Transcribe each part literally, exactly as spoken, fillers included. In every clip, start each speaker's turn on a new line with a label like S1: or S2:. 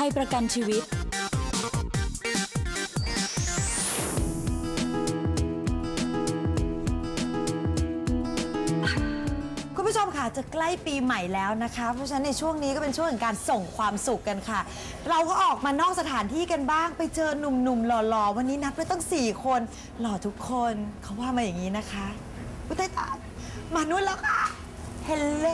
S1: ยประกันชีวิต
S2: คุณผู้ชมค่ะจะใกล้ปีใหม่แล้วนะคะเพราะฉะนั้นในช่วงนี้ก็เป็นช่วงของการส่งความสุขกันค่ะเราก็ออกมานอกสถานที่กันบ้างไปเจอหนุ่มๆหล่อๆวันนี้นัดไว้ตั้งสี่คนหล่อทุกคนเขาว่ามาอย่างนี้นะคะอุ้ยตายตายมานู่นแล้วค่ะเฮลโล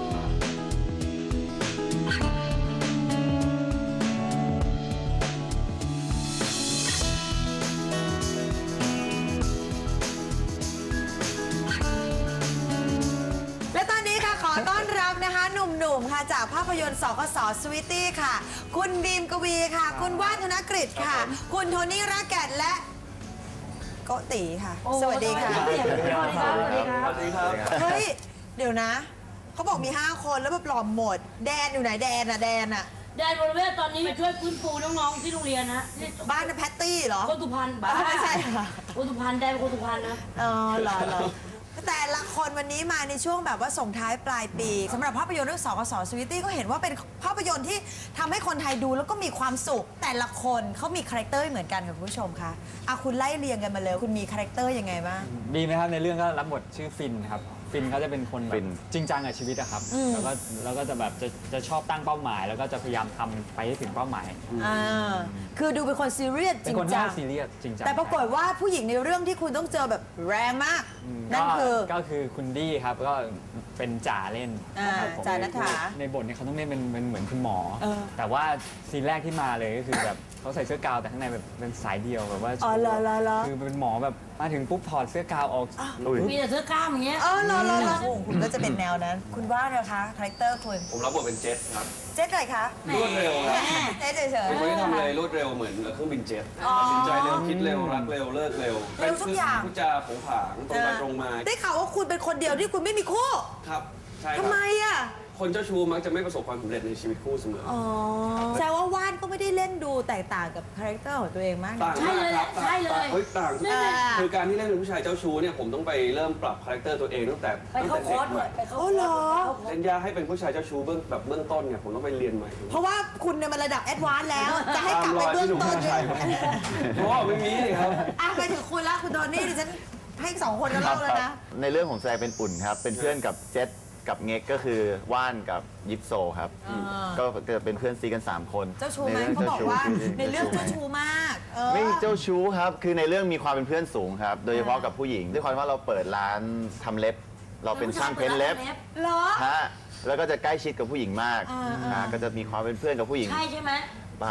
S2: ต้อนรับนะคะหนุ่มๆค่ะจากภาพยนตร์สกส.สวีตี้ค่ะคุณบีมกวีค่ะคุณว่านธนกฤษค่ะคุณโทนี่รักแก่นและโกติค่ะสวัสดีค่ะสวัสดีครับสวัสดีครับสวัสดีครับเฮ้ยเดี๋ยวนะเขาบอกมีห้าคนแล้วแบบหลอมหมดแดนอยู่ไหนแดนอะแดนอะ
S3: แดนบริเวณตอนนี้ไปช่วยฟื้นฟูน้องๆที่โรงเรียนนะ
S2: บ้านแพตตี้เหรอ
S3: โกตุพันบ้า
S2: ไม่ใช่ค่ะ
S3: โกตุพันแดนโกตุพันนะ
S2: อ๋อหรอหรอแต่ละคนวันนี้มาในช่วงแบบว่าส่งท้ายปลายปีสำหรับภาพยนตร์เรื่องสกส.สวีตี้ก็เห็นว่าเป็นภาพยนตร์ที่ทำให้คนไทยดูแล้วก็มีความสุขแต่ละคนเขามีคาแรคเตอร์เหมือนกันค่ะคุณผู้ชมคะอ่ะคุณไล่เรียงกันมาเลยคุณมีคาแรคเตอร์ยังไงบ้าง
S4: ดีไหมครับในเรื่องก็รับบทชื่อฟินครับฟินเขาจะเป็นคนแบบจริงจังกับชีวิตอะครับแล้วก็แล้วก็จะแบบจะจะชอบตั้งเป้าหมายแล้วก็จะพยายามทำไปให้ถึงเป้าหมาย
S2: อ่าคือดูเป็นคนซีเรียสจริงจัง
S4: ซีเรียสจริงจัง
S2: แต่ปรากฏว่าผู้หญิงในเรื่องที่คุณต้องเจอแบบแรงมากนั่นคือ
S4: ก็คือคุณดี้ครับก็เป็นจ่าเล่น
S2: จ่าณัฐฐา
S4: ในบทนี้เขาต้องเล่นเป็นเหมือนคุณหมอแต่ว่าซีนแรกที่มาเลยก็คือแบบเขาใส่เสื้อกาวแต่ข้างในแบบเป็นสายเดียวแบบว่าคือเป็นหมอแบบมาถึงปุ๊บถอดเสื้อกาวออก
S3: มีแต่เสื้อกล้ามอย่างเงี้ย
S2: เออรอรอรอคุณก็จะเป็นแนวนั้นคุณว่านะคะคาแรคเตอร์คุณ
S5: ผมรับบทเป็นเจ็ตครับ
S2: เจ็ตอะไรคะ
S5: รวดเร็วครับ
S2: เจ็ตเฉย
S5: ๆไม่ได้ทำอะไรรวดเร็วเหมือนเครื่องบินเจ็ตตัดสินใจเร็วคิดเร็วรักเร็วเลิกเร็ว
S2: เร็วทุกอย่าง
S5: พูดจาผงผางตรงไปตรงมา
S2: ได้ข่าวว่าคุณเป็นคนเดียวที่คุณไม่มีคู่
S5: ครับใช่ครับ
S2: ทำไมอ่ะ
S5: คนเจ้าชู้มักจะไม่ประสบความสำเร็จในชีวิตคู่เสมอ
S2: อ๋อแสดงว่าว่านก็ไม่ได้เล่นดูแตกต่างกับคาแรคเตอร์ของตัวเองมาก
S5: ต่างมากครับ
S3: ใช่เลย
S5: เฮ้ยต่างคือการที่เล่นเป็นผู้ชายเจ้าชู้เนี่ยผมต้องไปเริ่มปรับคาแรคเตอร์ตัวเองตั้งแต่
S3: ตั้งแต่เด็กเลยไป
S2: เขาเหรอ
S5: เล่นยากให้เป็นผู้ชายเจ้าชู้เบื้องแบบเบื้องต้นเนี่ยผมต้องไปเรียนใหม่
S2: เพราะว่าคุณเนี่ยมันระดับแอดวานซ์แล้วจะให้กลับไปเบื้องต้นเลย
S5: เพราะว่าไม่มีเลยครับ
S2: อ่ะไปถึงคุณละคุณโดนี่ดิฉันให้สองคนก็เล่าแล้วนะ
S6: ในเรื่องของแซงเป็นอุ่นครับเป็นเพื่อนกับเจ็ตกับเง็กก็คือว่านกับยิปโซครับก็จะเป็นเพื่อนซีกันสามคน
S2: เจ้าชู้ไหมเขาบอกว่าในเรื่องเจ้าชู้มาก
S6: ไม่เจ้าชู้ครับคือในเรื่องมีความเป็นเพื่อนสูงครับโดยเฉพาะกับผู้หญิงด้วยความว่าเราเปิดร้านทำเล็บเราเป็นช่างเพ้นเล็บ
S2: เหรอ
S6: ฮะแล้วก็จะใกล้ชิดกับผู้หญิงมากก็จะมีความเป็นเพื่อนกับผู้หญิง
S3: ใช่ใช่ไหม
S6: บ้า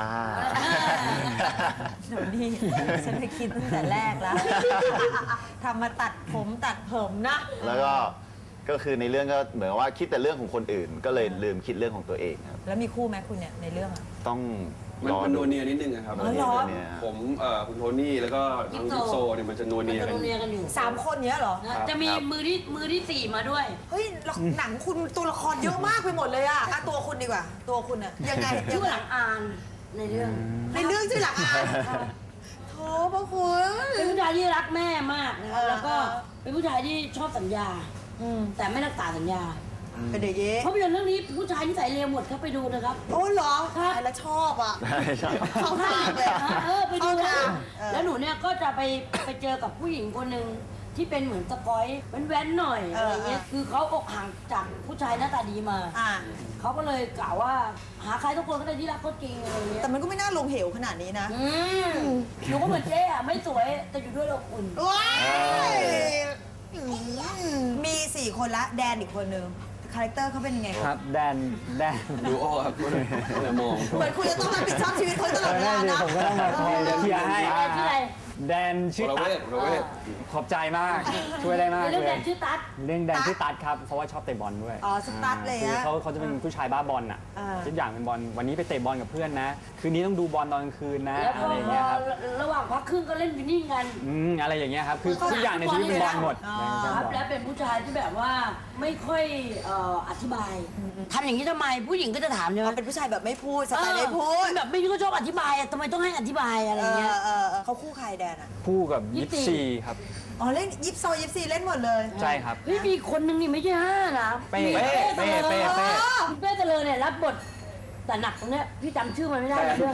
S2: หนูนี่ฉันเคยคิดตั้งแต่แรกแล้วทำมาตัดผมตัดผมนะ
S6: แล้วก็ก็คือในเรื่องก็เหมือนว่าคิดแต่เรื่องของคนอื่นก็เลยลืมคิดเรื่องของตัวเองครับ
S2: แล้วมีคู่ไหมคุณเนี่ยในเรื่อง
S6: ต้อง
S5: มันนัวเนียนิดนึงครับผมคุณโทนี่แล้วก็น้องยิปโซเนี่ยมันจะนัวเนีย
S3: กันอยู่
S2: สามคนเนี้ยเหรอ
S3: จะมีมือที่มือที่สี่มาด้วย
S2: เฮ้ยหนังคุณตัวละครเยอะมากไปหมดเลยอะตัวคุณดีกว่าตัวคุณอะยังไง
S3: ชื่อหลังอานในเรื่อง
S2: ในเรื่องชื่อหลังอานโธ่พ่อคุณ
S3: เป็นผู้ชายที่รักแม่มากนะครับแล้วก็เป็นผู้ชายที่ชอบสัญญาแต่ไม่รักษาสัญญา
S2: เป็นเด็กเย้
S3: เพราะเป็นเรื่องนี้ผู้ชายที่ใส่เลวหมดครับไปดูนะครับ
S2: โอ้เหรอครับแล้วชอบอ่ะเขาทำเลย
S3: เออไปดูนะแล้วหนูเนี่ยก็จะไปไปเจอกับผู้หญิงคนหนึ่งที่เป็นเหมือนสกอยแว้นๆหน่อยอะไรเงี้ยคือเขาอกห่างจากผู้ชายหน้าตาดีมาเขาก็เลยกล่าวว่าหาใครทุกคนก็ได้ที่รักเขาจริงอะไรเงี้ย
S2: แต่มันก็ไม่น่าลงเหวขนาดนี้นะ
S3: หนูก็เหมือนเจ๊อะไม่สวยแต่อยู่ด้วยเราอุ่น
S2: มีสี่คนละแดนอีกคนนึงคาแรคเตอร์เขาเป็นยังไง
S4: ครับแดนแดน
S5: ดูออกครับมอง
S2: เหมือนคุณจะต้องรับผิดชอบชีวิตเขาตลอดเวลานะ
S4: ผมก็ต้องมาคอยเคลียร์ให้แดนชื่อตั๊ดขอบใจมากช่วยได้มากเลย
S3: เรื่องแดนชื่อตั๊ด
S4: เรื่องแดนชื่อตั๊ดครับเพราะว่าชอบเตะบอลด้วย
S2: อ๋อสตั๊ดเลยอะ
S4: เขาเขาจะเป็นผู้ชายบ้าบอลอ่ะทุกอย่างเป็นบอลวันนี้ไปเตะบอลกับเพื่อนนะคืนนี้ต้องดูบอลตอนกลางคืนนะอะไรอย่างเงี้ยครับ
S3: ระหว่างพักครึ่งก็เล่นวินนิ่งกัน
S4: อืมอะไรอย่างเงี้ยครับคือทุกอย่างในชีวิตเป็นบอลหมด
S3: ครับและเป็นผู้ชายที่แบบว่าไม่ค่อยอธิบายทำอย่างนี้ทำไมผู้หญิงก็จะถามเนี่ย
S2: เป็นผู้ชายแบบไม่พูดสไตล์ไม่พูด
S3: แบบไม่ก็ชอบอธิบายทำไมต้องให้อธิบายอะไรเงี้ย
S2: เขาคู่ใครแดนอะ
S4: คู่กับยิปซีครับ
S2: อ๋อเล่นยิปโซยิปซีเล่นหมดเลย
S4: ใช่ครับ
S3: เฮ้ยมีคนนึงนี่ไม่ใช่ห้านะ
S4: เป้เป้เป้เป้
S3: เป้เป้เจริญเนี่ยรับบทแต่หนักตรงเนี้ยพี่จำชื่อมันไม่ได้เรื่อง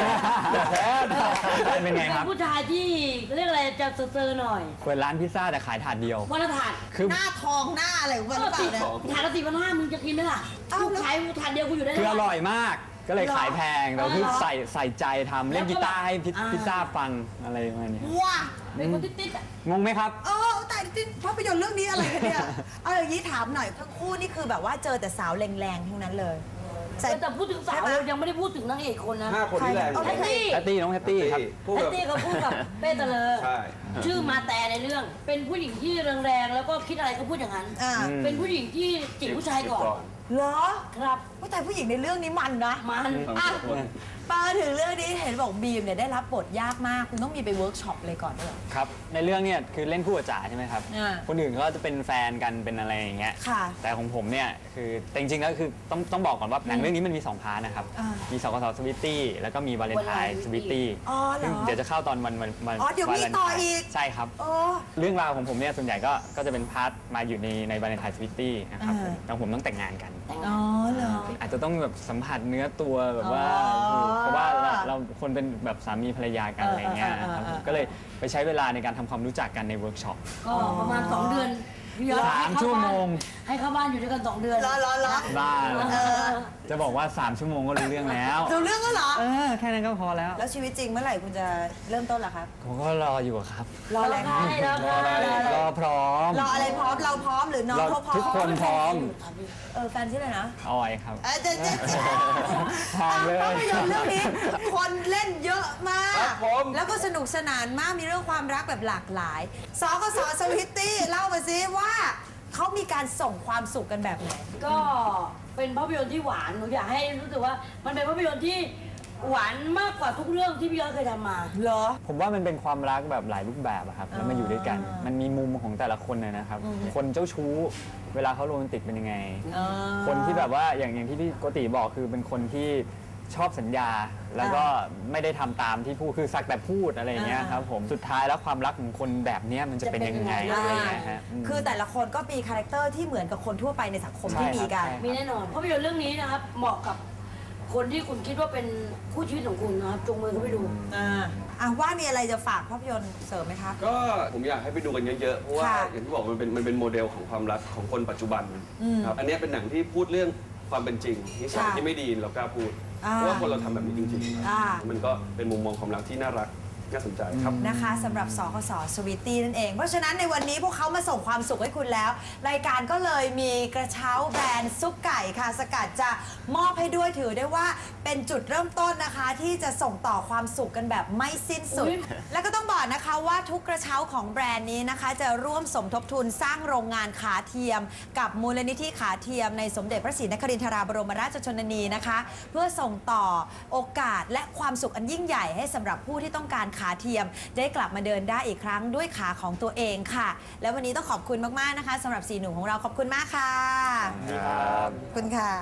S4: เป็นไงครับ
S3: เป็นผู้ชายที่เรียกอะไรจะเซอร์หน่อย
S4: เปิดร้านพิซซ่าแต่ขายถาดเดียว
S3: วันละถาด
S4: คือ
S2: หน้าทองหน้าอะไรของมันหรือเปล่าเนี่ย
S3: ถาดละสี่พันห้ามึงจะกินไหมล่ะกูขายถาดเดียวกูอยู่ได้
S4: คืออร่อยมาก ก็เลยขายแพงแต่คือใส่ใส่ใจทำเล่นกีตาร์ให้พิซ
S3: อ่า
S4: พิซซ่าฟังอะไรประมาณนี้
S2: ว้า
S3: เป็นคนติดๆอ่ะ
S4: งงไหมครับ
S2: เออแต่ที่ภาพยนตร์เรื่องนี้อะไรกันเนี่ย เอาอย่างนี้ถามหน่อยทั้งคู่นี่คือแบบว่าเจอแต่สาวแรงๆทั้งนั้นเลยใส่
S3: แต่พูดถึงสาวเรายังไม่ได้พูดถึงนางเอกคนนะ
S5: ห้าคนที่แรง
S3: แพตตี้
S4: แพตตี้น้องแพตตี้ครับ
S5: พูด
S3: แพ
S5: แบ
S3: ต
S5: บ
S3: ตี้เขาพูดกับเป้เตลอ
S5: ใช่
S3: ชื่อมาแต่ในเรื่อง เป็นผู้หญิงที่แรงๆแล้วก็คิดอะไรก็พูดอย่างนั้น
S2: อ่า
S3: เป็นผู้หญิงที่จีบผู้ชายก่อน
S2: เหรอ
S3: ครับ
S2: ว่าแต่ผู้หญิงในเรื่องนี้มันนะ
S3: มัน
S2: อ่ะมาถึงเรื่องนี้เห็นบอกบีมเนี่ยได้รับบทยากมาก คุณต้องมีไปเวิร์กช็อปเลยก่อนด้วยเหรอ
S4: ครับ ในเรื่องเนี่ยคือเล่นคู่กับจ๋าใช่ไหมครับ
S2: อ่า
S4: คนอื่นก็จะเป็นแฟนกันเป็นอะไรอย่างเงี้ย
S2: ค่ะ
S4: แต่ของผมเนี่ยคือแต่จริงๆแล้วคือต้องต้องบอกก่อนว่าหนังเรื่องนี้มันมีสองพาร์ทนะครับ
S2: อ่ามี
S4: มีสกสสวิตตี้แล้วก็มีวาเลนไทน์สวิตตี้
S2: อ๋อเหรอ
S4: ซึ่งเดี๋ยวจะเข้าตอนวันวันวัน
S2: อ๋อเดี๋ยวมี
S4: วาเลน
S2: ต่อ
S4: ไทน์
S2: อีก
S4: ใช่ครับ
S2: โอ้
S4: เรื่องราวของผมเนี่ยส่วนใหญ่ก็ก็จะเป็นพาร์ทมาอยู่ในในวาเลนไทน์สวิตตี้นะครับ
S2: อ่า
S4: แล้วผมต้องแต่งงานกัน
S2: อ๋อเหรอ
S4: อาจจะต้องแบบสัมผัสเนื้อตัวแบบว่า
S2: อ๋อ
S4: เพราะว่าเราเราคนเป็นแบบสามีภรรยากัน
S2: เอออ
S4: อะไรเงี้ย
S2: เออเออ
S4: ครับ
S2: เออ
S4: ก็เลยไปใช้เวลาในการทำความรู้จักกันในเวิร์กช็อป
S3: ก็ประมาณสองเดือนพี่ยอด
S4: สามชั่วโมง
S3: ให้เข้าบ้านอยู่ด้วยกันสองเดือน
S2: รอรอรอ
S4: บ้า
S2: เออ
S4: จะบอกว่า สาม ชั่วโมงก็รู้เรื่องแล้ว
S2: ดูเรื่องก็เหรอ
S4: เออ แค่นั้นก็พอแล้ว
S2: แล้วชีวิตจริงเมื่อไหร่คุณจะเริ่มต้นล่ะครับ
S4: ผมก็รออยู่ครับ
S2: รออะไรคะ
S3: รออะไร
S4: รอพร้อม
S2: รออะไรพร้อมเราพร้อมหรือน้อง
S4: เรา
S2: เขาพร้อม
S4: ทุกคนพร้อม
S2: เออแฟนชื่ออะไรนะ
S4: ออยครับ
S2: เออเจ๊เจ๊เจ๊
S4: ทางเลย
S2: ภาพยนตร์เรื่องนี้คนเล่นเยอะมาก
S5: ครับผม
S2: แล้วก็สนุกสนานมากมีเรื่องความรักแบบหลากหลายสกสสวิตตี้เล่ามาซิว่าเขามีการส่งความสุขกันแบบไหน
S3: ก็เป็นภาพยนตร์ที่หวานหนูอยากให้รู้สึกว่ามันเป็นภาพยนตร์ที่หวานมากกว่าทุกเรื่องที่พี่ยอดเคยทำมา
S2: เหรอ
S4: ผมว่ามันเป็นความรักแบบหลายรูปแบบอะครับแล้วมาอยู่ด้วยกัน
S2: อ่ามั
S4: มันมีมุมของแต่ละคนเลยนะครับ คนเจ้าชู้ เวลาเขาโรแมนติกเป็นยังไง คนที่แบบว่าอย่างอย่างที่พี่โกติบอกคือเป็นคนที่ชอบสัญญา แล้วก็ไม่ได้ทำตามที่พูดคือสักแต่พูดอะไรอย่างเงี้ยครับผมสุดท้ายแล้วความรักของคนแบบเนี้ยมันจะเป็นยังไง
S3: จะ
S4: อะ
S3: เป็
S4: ไร
S3: น
S4: อ
S3: ยั
S4: ย่าง
S3: ไง
S4: เงี้ยฮะอืม
S2: คือแต่ละคนก็มีคาแรคเตอร์ที่เหมือนกับคนทั่วไปในสังคมที่
S4: ใช่ครับ
S2: มีกัน
S4: ใช่
S3: มีแน่นอนภาพยนตร์เรื่องนี้นะครับเหมาะกับคนที่คุณคิดว่าเป็นคู่ชีวิตของคุณนะครับจงมือเข้าไปดู
S2: อ่าอ่ะว่ามีอะไรจะฝากภาพยนตร์เสริมไหมคะ
S5: ก็ผมอยากให้ไปดูกันเยอะๆ เพราะว่า
S2: ค่ะ
S5: อย่างที่บอกมันเป็นมันเป็นโมเดลของความรักของคนปัจจุบันครับ อันเนี้ยเป็นหนังที่พูดเรื่องความเป็นจริงนิสัย
S2: ค่ะ
S5: ที่ไม่ดีเรากล้าพูด
S2: อ่า
S5: เพราะว่าคนเราทำแบบนี้จริงๆ
S2: อ่า
S5: มันก็เป็นมุมมองความรักที่น่ารักน่าสนใจครับ
S2: นะคะสำหรับสคสสวีตี้นั่นเอง เพราะฉะนั้นในวันนี้พวกเขามาส่งความสุขให้คุณแล้ว รายการก็เลยมีกระเช้าแบรนด์ซุปไก่ค่ะสกัดจะมอบให้ด้วยถือได้ว่าเป็นจุดเริ่มต้นนะคะ ที่จะส่งต่อความสุขกันแบบไม่สิ้นสุด
S3: อุ๊ย
S2: แล้วก็ต้องบอกนะคะว่าทุกกระเช้าของแบรนด์นี้นะคะ จะร่วมสมทบทุนสร้างโรงงานขาเทียม กับมูลนิธิขาเทียมในสมเด็จพระศรีนครินทราบรมราชชนนีนะคะ เพื่อส่งต่อโอกาสและความสุขอันยิ่งใหญ่ให้สำหรับผู้ที่ต้องการขาเทียม ได้กลับมาเดินได้อีกครั้งด้วยขาของตัวเองค่ะ แล้ววันนี้ต้องขอบคุณมากๆนะคะสำหรับสี่หนุ่มของเราขอบคุณมากค่ะ
S4: ครับ
S2: ขอบคุณค่ะ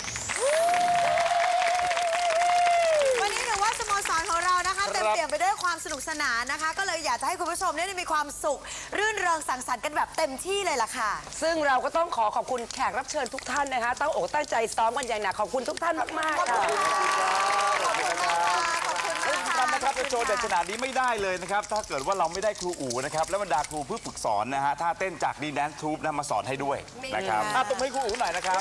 S2: วันนี้ถือว่าสโมสรของเรานะคะเต็มเปี่ยมไปด้วยความสนุกสนานนะคะ ก็เลยอยากจะให้คุณผู้ชมได้มีความสุข รื่นเริงสังสรรค์กันแบบเต็มที่เลยล่ะค่ะ
S1: ซึ่งเราก็ต้องขอขอบคุณแขกรับเชิญทุกท่านนะคะตั้งอกตั้งใจซ้อมกันอย่างหนักขอบคุณทุกท่านมาก
S2: ขอบ
S1: ๆค่ะ
S2: คุณค่ะขอบคุณมากค่ะขอบคุณมาก
S7: ที่
S2: ค่ะ
S7: สำคัญนะครับเป็นโชว์เด็ดขนาดนี้ไม่ได้เลยนะครับ ถ้าเกิดว่าเราไม่ได้ครูอู๋นะครับ และบรรดาครูผู้ฝึกสอนนะฮะท่าเต้นจากดีแดนทูบนะมาสอนให้ด้วยนะครับอ่ะตบมือให้ครูอู๋หน่อยนะครับ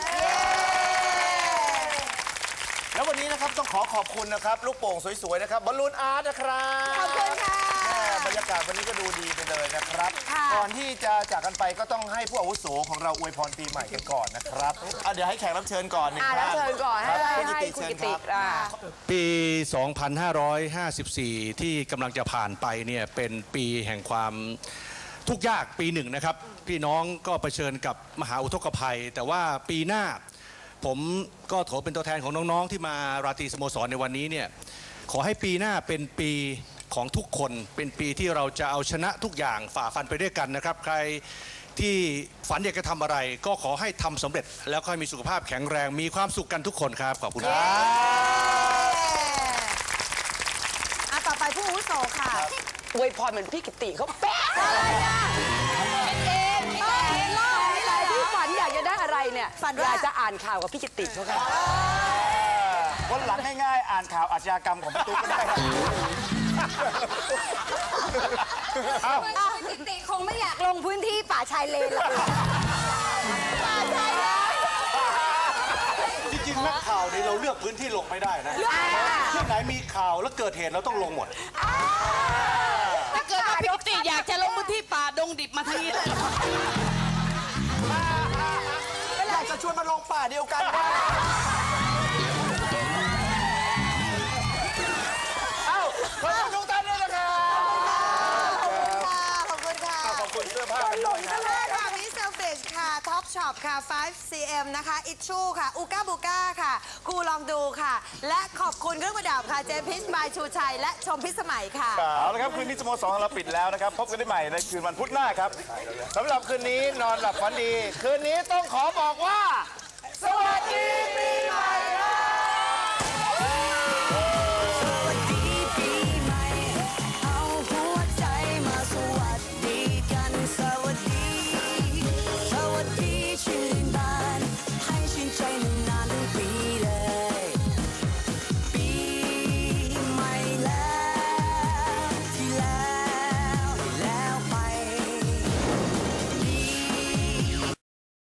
S7: แล้ววันนี้นะครับต้องขอขอบคุณนะครับ ลูกโป่งสวยๆนะครับบอลลูนอาร์ตนะครับ
S2: ขอบคุณค่ะ
S7: แม่บรรยากาศวันนี้ก็ดูดีไปเลยนะครับ
S2: ค่ะ
S7: ก่อนที่จะจากกันไปก็ต้องให้ผู้อาวุโสของเราอวยพรปีใหม่กันก่อนนะครับอ่ะเดี๋ยวให้แขกรับเชิญก่อนหนึ่ง
S1: อ่า
S7: ท่าน
S1: รับเชิญก่อนให้
S7: รับ
S1: ให้
S7: คุณ
S1: ให้
S7: กิติ
S1: คุณ
S7: เชิ
S1: กิ
S7: ญค
S1: ติ
S7: รับ
S1: อ่า
S8: ปี สองพันห้าร้อยห้าสิบสี่ ที่กำลังจะผ่านไปเนี่ยเป็นปีแห่งความทุกข์ยากปีหนึ่งนะครับ พี่น้องก็เผชิญกับมหาอุทกภัย แต่ว่าปีหน้าผมก็ขอเป็นตัวแทนของน้องๆที่มาราตรีสโมสรในวันนี้เนี่ยขอให้ปีหน้าเป็นปีของทุกคน เป็นปีที่เราจะเอาชนะทุกอย่างฝ่าฟันไปด้วยกันนะครับ ใครที่ฝันอยากจะทำอะไร ก็ขอให้ทำสำเร็จ แล้วก็ให้มีสุขภาพแข็งแรงมีความสุขกันทุกคนครับขอบคุณครับ
S2: อ่ะต่อไปผู้อาวุโสค่ะ
S1: อวยพรเหมือนพี่กิติเขาแป๊ะ
S2: อะไรอ่ะ
S1: เองพี่เองเล่าอะไรที่ฝันอยากจะได้อะไรเนี่ย
S2: ฝันว่า
S1: อยากจะอ่านข่าวกับพี่กิติเขาค่ะ
S7: วันหลังง่ายๆ อ่านข่าวอาชญากรรมของพี่ตุ๊กก็ได้ครับ
S9: ติติคงไม่อยากลงพื้นที่ป่าชายเลนหรอกป่าชายเลน
S8: จริงๆนักข่าวนี่เราเลือกพื้นที่ลงไม่ได้นะที่ไหนมีข่าวแล้วเกิดเหตุเราต้องลงหมด
S10: ถ้าเกิดว่าพี่ติอยากจะลงพื้นที่ป่าดงดิบมาทางนี้เลย
S7: อยากจะชวนมาลงป่าเดียวกันว่าเอ้าขอบคุณทุกท่านด้วยนะครับ
S2: ขอบคุณค่ะ
S7: ขอบคุณเสื้อผ้า
S2: หลงกันเลยค่ะมิสเซลเฟชค่ะท็อปช็อปค่ะ ไฟว์ ซี เอ็ม นะคะอิชชูค่ะอูก้าบูก้าค่ะกูลองดูค่ะ และขอบคุณเครื่องประดับค่ะเจมพิชบายชูชัยและชมพิสมัยค่ะ
S7: เอาละครับคืนนี้สโมสรของเราปิดแล้วนะครับ พบกันได้ใหม่ในคืนวันพุธหน้าครับสำหรับคืนนี้นอนหลับฝันดี คืนนี้ต้องขอบอกว่า สวัสดี